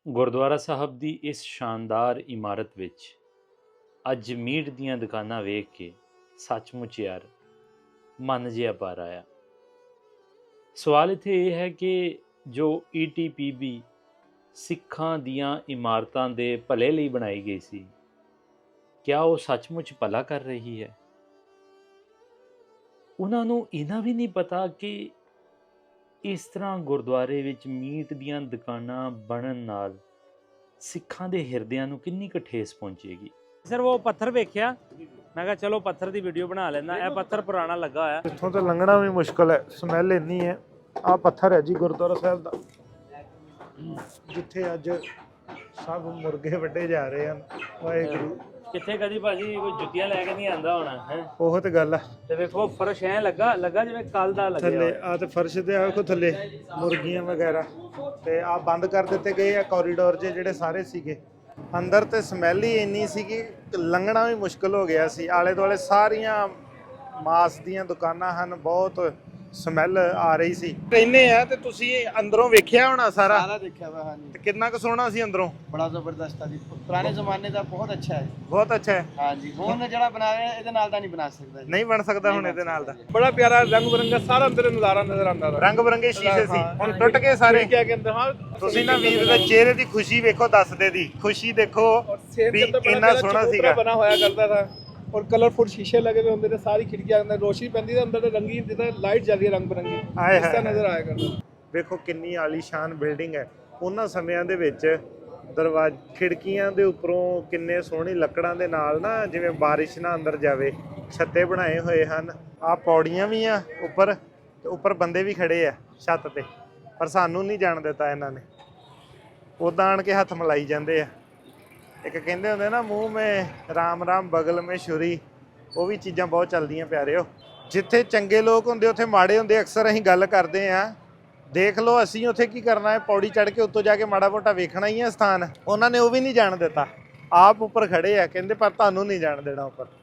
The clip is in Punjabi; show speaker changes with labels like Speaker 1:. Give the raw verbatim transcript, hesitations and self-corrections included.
Speaker 1: ਗੁਰਦੁਆਰਾ ਸਾਹਿਬ ਦੀ ਇਸ ਸ਼ਾਨਦਾਰ ਇਮਾਰਤ ਵਿੱਚ ਅੱਜ ਮੀਟ ਦੀਆਂ ਦੁਕਾਨਾਂ ਵੇਖ ਕੇ ਸੱਚਮੁੱਚ ਯਾਰ ਮਨ ਜਿਹਾ ਭਰ ਆਇਆ। ਸਵਾਲ ਇੱਥੇ ਇਹ ਹੈ ਕਿ ਜੋ ਈ ਟੀ ਪੀ ਬੀ ਸਿੱਖਾਂ ਦੀਆਂ ਇਮਾਰਤਾਂ ਦੇ ਭਲੇ ਲਈ ਬਣਾਈ ਗਈ ਸੀ, ਕਿਆ ਉਹ ਸੱਚਮੁੱਚ ਭਲਾ ਕਰ ਰਹੀ ਹੈ? ਉਹਨਾਂ ਨੂੰ ਇਹਨਾਂ ਵੀ ਨਹੀਂ ਪਤਾ ਕਿ ਇਸ ਤਰ੍ਹਾਂ ਗੁਰਦੁਆਰੇ ਵਿੱਚ ਮੀਟ ਦੀਆਂ ਦੁਕਾਨਾਂ ਬਣਨ ਨਾਲ ਸਿੱਖਾਂ ਦੇ ਹਿਰਦਿਆਂ ਨੂੰ ਕਿੰਨੀ ਕੁ ਠੇਸ ਪਹੁੰਚੇਗੀ। ਸਰ ਉਹ ਪੱਥਰ ਵੇਖਿਆ, ਮੈਂ ਕਿਹਾ ਚਲੋ ਪੱਥਰ ਦੀ ਵੀਡੀਓ ਬਣਾ ਲੈਂਦਾ। ਇਹ ਪੱਥਰ ਪੁਰਾਣਾ ਲੱਗਾ ਹੋਇਆ,
Speaker 2: ਇੱਥੋਂ ਤਾਂ ਲੰਘਣਾ ਵੀ ਮੁਸ਼ਕਲ ਹੈ, ਸਮੈਲ ਇੰਨੀ ਹੈ। ਆਹ ਪੱਥਰ ਹੈ ਜੀ ਗੁਰਦੁਆਰਾ ਸਾਹਿਬ ਦਾ, ਜਿੱਥੇ ਅੱਜ ਸਭ ਮੁਰਗੇ ਵੱਢੇ ਜਾ ਰਹੇ ਹਨ। ਵਾਹਿਗੁਰੂ।
Speaker 1: ਕਿੱਥੇ ਕਦੀ ਭਾਜੀ ਕੋਈ ਜੁੱਤੀਆਂ ਲੈ ਕੇ ਨਹੀਂ ਆਂਦਾ ਹੋਣਾ ਹੈ।
Speaker 2: ਉਹ ਤੇ ਗੱਲ ਆ।
Speaker 1: ਤੇ ਵੇਖੋ ਫਰਸ਼ ਐ ਲੱਗਾ ਲੱਗਾ ਜਿਵੇਂ ਕੱਲ ਦਾ ਲੱਗਿਆ
Speaker 2: ਥੱਲੇ ਆ ਤੇ ਫਰਸ਼ ਤੇ ਆ ਵੇਖੋ ਥੱਲੇ ਮੁਰਗੀਆਂ ਵਗੈਰਾ, ਤੇ ਆ ਬੰਦ ਕਰ ਦਿੱਤੇ ਗਏ ਆ ਕੋਰੀਡੋਰ ਜੇ ਜਿਹੜੇ ਸਾਰੇ ਸੀਗੇ। ਅੰਦਰ ਤੇ ਸਮੈਲ ਹੀ ਇੰਨੀ ਸੀ ਕਿ ਲੰਘਣਾ ਵੀ ਮੁਸ਼ਕਲ ਹੋ ਗਿਆ ਸੀ। ਆਲੇ ਦੁਆਲੇ ਸਾਰੀਆਂ ਮਾਸ ਦੀਆਂ ਦੁਕਾਨਾਂ ਹਨ, ਬਹੁਤ ਸਮੈਲ ਆ ਰਹੀ ਸੀ। ਕਹਿੰਦੇ ਆ ਤੇ ਤੁਸੀਂ ਅੰਦਰੋਂ ਵੇਖਿਆ ਹੋਣਾ ਸਾਰਾ?
Speaker 3: ਸਾਰਾ ਦੇਖਿਆ ਵਾ। ਹਾਂਜੀ।
Speaker 2: ਤੇ ਕਿੰਨਾ ਕੁ ਸੋਹਣਾ ਸੀ ਅੰਦਰੋਂ?
Speaker 3: ਬੜਾ ਜ਼ਬਰਦਸਤ ਆ ਜੀ, ਪੁਰਾਣੇ ਜ਼ਮਾਨੇ ਦਾ ਬਹੁਤ ਅੱਛਾ ਹੈ।
Speaker 2: ਬਹੁਤ ਅੱਛਾ ਹੈ।
Speaker 3: ਹਾਂਜੀ, ਹੁਣ ਜਿਹੜਾ ਬਣਾਇਆ ਇਹਦੇ ਨਾਲ ਦਾ ਨਹੀਂ ਬਣਾ ਸਕਦਾ ਜੀ।
Speaker 2: ਨਹੀਂ ਬਣ ਸਕਦਾ ਹੁਣ ਇਹਦੇ ਨਾਲ ਦਾ।
Speaker 4: ਬੜਾ ਪਿਆਰਾ ਰੰਗ ਬਰੰਗਾ ਸਾਰਾ ਅੰਦਰ ਨਜ਼ਾਰਾ ਨਜ਼ਰ ਆਉਂਦਾ।
Speaker 2: ਰੰਗ ਬਰੰਗੇ ਸ਼ੀਸ਼ੇ ਸੀ, ਹੁਣ ਟੁੱਟ ਗਏ ਸਾਰੇ।
Speaker 4: ਕੀ ਕਹਿੰਦੇ ਹਾਂ
Speaker 2: ਤੁਸੀਂ ਨਾ ਵੀਰ ਦੇ ਚਿਹਰੇ ਦੀ ਖੁਸ਼ੀ ਵੇਖੋ, ਦੱਸਦੇ ਦੀ ਖੁਸ਼ੀ ਦੇਖੋ ਵੀ ਇੰਨਾ ਸੋਹਣਾ ਸੀਗਾ।
Speaker 4: ਬਣਾ ਹੋਇਆ ਕਰਦਾ ਥਾ और कलरफुल शीशे लगे हुए होंगे, सारी खिड़कियां अंदर रोशनी पैंदी है, अंदर रंगीन जितना लाइट जल रही है रंग बिरंगी इस तरह नजर आया करता।
Speaker 2: ਵੇਖੋ ਕਿੰਨੀ ਆਲੀਸ਼ਾਨ ਬਿਲਡਿੰਗ ਹੈ। ਉਹਨਾਂ ਸਮਿਆਂ ਦੇ ਵਿੱਚ ਦਰਵਾਜ਼ੇ ਖਿੜਕੀਆਂ ਦੇ ਉੱਪਰੋਂ ਕਿੰਨੇ ਸੋਹਣੀ ਲੱਕੜਾਂ ਦੇ ਨਾਲ ਨਾ ਜਿਵੇਂ ਬਾਰਿਸ਼ ਨਾ ਅੰਦਰ ਜਾਵੇ ਛੱਤੇ ਬਣਾਏ ਹੋਏ ਹਨ। ਆਹ ਪੌੜੀਆਂ ਵੀ ਆ ਉੱਪਰ, ਤੇ ਉੱਪਰ ਬੰਦੇ ਵੀ ਖੜੇ ਆ ਛੱਤ ਤੇ, ਪਰ ਸਾਨੂੰ ਨਹੀਂ ਜਾਣ ਦਿੱਤਾ ਇਹਨਾਂ ਨੇ। ਉੱਦਾਂ ਆਣ ਕੇ ਹੱਥ ਮਿਲਾਈ ਜਾਂਦੇ ਆ। ਇੱਕ ਕਹਿੰਦੇ ਹੁੰਦੇ ਨਾ ਮੂੰਹ ਮੇ ਰਾਮ ਰਾਮ ਬਗਲ ਮੇ ਛੁਰੀ, ਉਹ ਵੀ ਚੀਜ਼ਾਂ ਬਹੁਤ ਚੱਲਦੀਆਂ ਪਿਆਰਿਓ। ਜਿੱਥੇ ਚੰਗੇ ਲੋਕ ਹੁੰਦੇ ਉੱਥੇ ਮਾੜੇ ਹੁੰਦੇ, ਅਕਸਰ ਅਸੀਂ ਗੱਲ ਕਰਦੇ ਹਾਂ। ਦੇਖ ਲਓ ਅਸੀਂ ਉੱਥੇ ਕੀ ਕਰਨਾ ਹੈ, ਪੌੜੀ ਚੜ੍ਹ ਕੇ ਉੱਤੋਂ ਜਾ ਕੇ ਮਾੜਾ ਮੋਟਾ ਵੇਖਣਾ ਹੀ ਹੈ ਸਥਾਨ। ਉਹਨਾਂ ਨੇ ਉਹ ਵੀ ਨਹੀਂ ਜਾਣ ਦਿੱਤਾ, ਆਪ ਉੱਪਰ ਖੜੇ ਆ, ਕਹਿੰਦੇ ਪਰ ਤੁਹਾਨੂੰ ਨਹੀਂ ਜਾਣ ਦੇਣਾ ਉੱਪਰ।